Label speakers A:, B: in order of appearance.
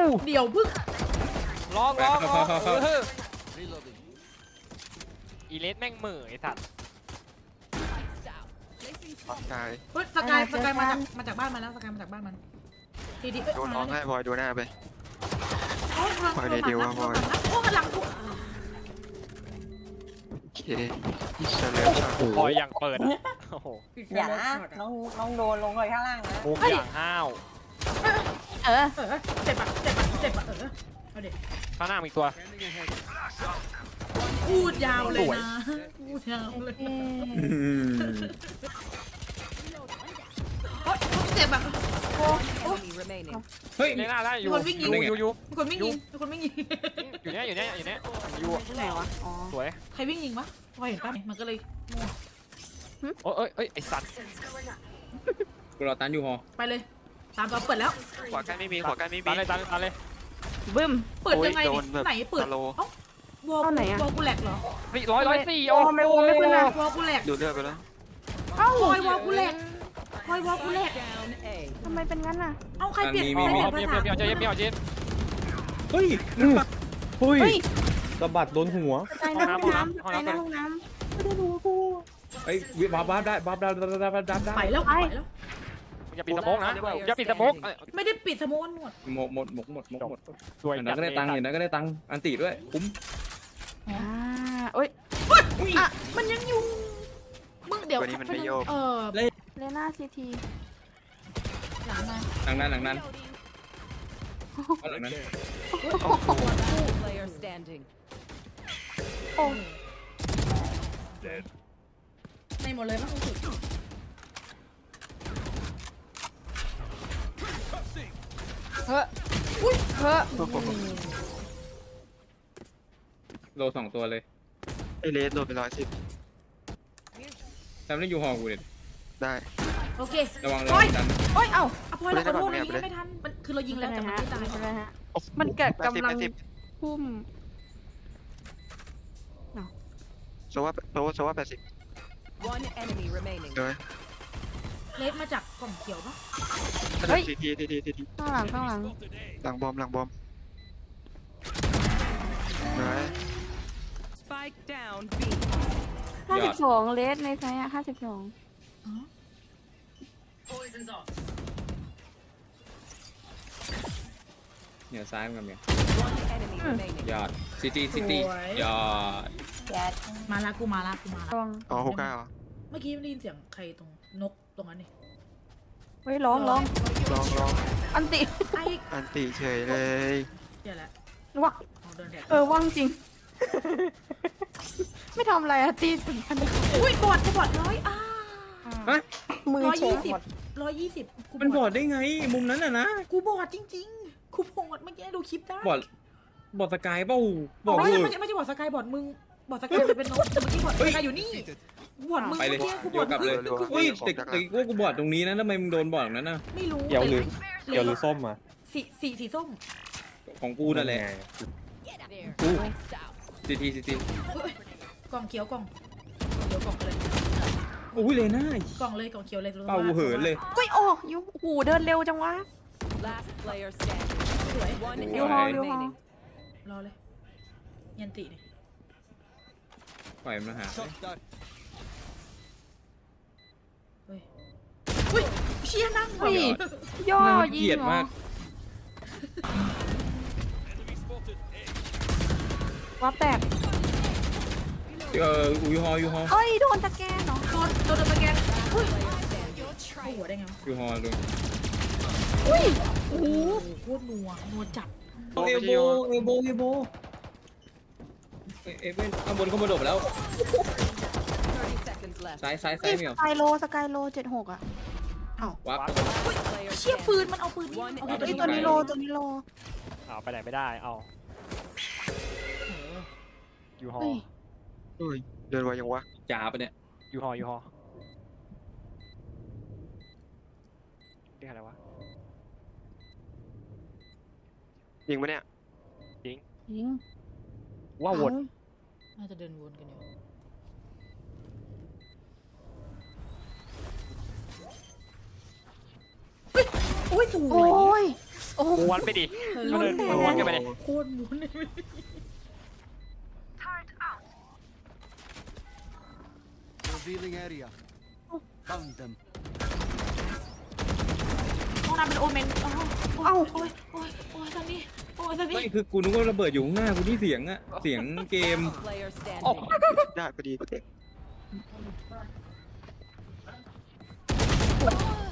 A: เดี๋ยวพึ่ง
B: ลอง
C: เข้า
B: อีเลสแม่งเหม่อไอ้สัตว์
D: ตาย
A: เฮ้ยสกายมาจากบ้านมันแล้วสกายมาจากบ้านมันดี
D: โดนน้องให้พลอยดูหน้าไป
A: โอ้หลัง
D: พลอยในเดียวว่าพลอย
A: โอ้หลังกู
D: โอเคที่เฉลิมฉลอง
B: พอยอย่างเปิดอะโอ้โห
E: อย่าน้องโดนลงเลยข้างล่างนะ
B: มุกอย่างห้าว
A: เจ็บปะเอาดิ
B: ข้างหน้ามีตัว
A: พูดยาวเลยนะพูดยาวเลยโอ๊ยเจ็บอะโอ้
C: เฮ้ย
B: เลน่าได้อยู่
A: มีคนวิ่งยิง
B: อยู่
A: มีคนวิ่งยิง
B: อยู่เนี้ย
E: ไหนวะอ๋อ
B: สวย
A: ใครวิ่งยิงวะพอเห็นป่ะมันก็เลย
B: เอ้ยไอ้สัตว์
C: กูรอตันอยู่หอ
A: ไปเลยตามตัวเปิดแล้ว
D: ขวาใกล้ไม่มีขวาใกล้ไม่มี
B: ตามเลย
E: บึ้ม
A: เปิดยังไงไหนเปิดวอลกูแหลกเหรอ
B: เฮ้ย104
E: โอ้ไม่โอ้ไม่ขึ้นนะ
A: วอลกูแหลก
D: ดูเลือดไปแล้ว
E: เอ้า
A: พลอยวอลกูแหลกพลอยวอลกูแหลก
E: ทำไมเป็นงั้นน่ะ
A: เอาใครเปลี่ยน
B: เมี
A: ภา
B: ยว
A: ษา
B: เจน
C: เฮ้ยเฮ้ยสะบัดโดนหัว
E: ใจน้ำห้องน้ำใจน้ำห้องน้ำไม่ได้ดูกู
C: เฮ้ยวาร์ปได้วาร์ปได้
A: ไปแล้ว
B: อย่าปิดสโมกนะอย่าปิดสโมก
A: ไม่ได้ปิดสโมนหมด
C: หมด
B: สวย
C: อย่างนั้นก็ได้ตังค์อย่างนั้นก็ได้ตังค์อันติด้วยคุ้ม
E: เอ้ย
A: อ่ะมันยังอยู่มึงเดี๋ยว
E: เลน่าซีที
A: หลังมา
C: หลังนั้นหลังนั้น
E: โอ้
A: ในหมดเลยมั้งคุณสุด
E: เฮ้เฮ้
C: โล2ตัวเลย
D: ไอเลสโดนไป110
C: ทำได้อยู่หอกูเลย
D: ได้
A: โอเค
C: ระวัง
A: โอ้ย
C: ดัน
A: โอ้ยเอ้าอภัยเราขอโทษนะยิงไม่ทันมันคือเรายิงแล้วแต่มันไม่ตาย
E: เป็นไรฮะมันเกิดกำลังพุ่ม
D: โซว่า80เลย
A: เลสมาจากกล่องเขียวปะ
D: ที
E: ข้างหลัง
D: หลังบอมไหน
E: 52เลสในไซส์52
C: เนี่ยซ้ายมันเนี่ยยอดซิตี้ยอด
A: มาละกูมาละ
D: อ๋อ69
A: เมื่อกี้ได้ยินเสียงใครตรงนกตรงนั้นนี่
E: เฮ้ยร้อง
D: ลอง
E: อันติ
A: ไอ้
D: อันติเฉยเลย
A: เดี๋ยวแหละ
E: ว่ะ
A: เดินแถว
E: ว่างจริง ไม่ทำอะไรอะตีถึงพัน
A: อุ้ยบอดร้อย
E: มือเฉยหมด
A: 120
C: มันบอดได้ไงมุมนั้นน่ะนะ
A: กูบอดจริงๆกูบอดเมื่อกี้ดูคลิปได้
C: บอดสกายเปล่าบอด
A: ไม่
C: เลย
A: ใช่บอดสกายบอดมึงบอดสกายเป็นนกแต่เมื่อกี้บอดสกายอยู่นี่บอดมึง
C: ไปเลย
A: เมื่อกี้กูบ
C: เดี๋
A: อ
C: ยว
A: ด
C: กลับเลยเฮ้ยแต่กูบอดตรงนี้นะทำไมมึงโดนบอดตรงนั้นน่ะ
A: ไม่รู้
F: เขียวหรือส้มอ่ะ
A: สีส้ม
C: ของกูนั่นแหละกูซิตี้
A: กล่องเขียวกล่องเขียวกล่องเลย
C: อุ้ยเลยน่าก
A: ล่องเลยกล่องเขียวเลย
C: เป่าเหินเลย
E: เฮ้ยโอ้ยูหูเดินเร็วจังวะ
A: สวย
E: ยูฮอ
A: รอเลยยันตินี่
C: ปล่อยมันหา
A: เฮ้ยเชี่ยนั่ง
E: เฮ้ยย่อยิง
C: เกลียด
E: เหรอ
C: มาก
E: วับแตก
C: ยูฮอ
E: เอ้ยโดนตะแกรงเหรอ
A: โดนตะแกรงเฮ้ยเข้าหัวได้ไงวะ
C: ยูฮอเลย
E: อุ้ย
A: โอ้โหโคตรนัวจัด
C: เอลโบเอเว่นข้างบนโดดไปแล้วซ้ายเหมียว
E: สกายโล76อ่ะ
C: วับ
A: เชี่ยปืนมันเอาปืนนี่เอาปืน
E: ตัวนี้โล
B: เอาไปไหนไม่ได้เอายูฮอ
D: เฮ้ยเดินไวยังวะ
C: จ่าปะเนี่ย
B: ยูฮอเรียกอะไรวะ
D: ยิงปะเนี่ย
E: ยิง
B: ว่าวน
A: น่าจะเดินวนกันอยู่อุ้ยสว
E: โอ้
A: ย
E: ยโอ้
B: ม้วนไปดิ
A: โคตร
B: ม้วนกันไปดิ
A: โคตรหมุนเลย
G: Revealing area. Found them.
A: ห้องน้ำเป็นโอเมนโอ้โอ้ยโอ้ยโอ้ยตอนนี้โอ้ยตอนนี้
C: ไม่คือกูนึกว่าระเบิดอยู่ข้างหน้ากูที่เสียงอะเสียงเกม
H: Player
B: โอ้
H: standing.
D: ได้พอดีกูเด็ก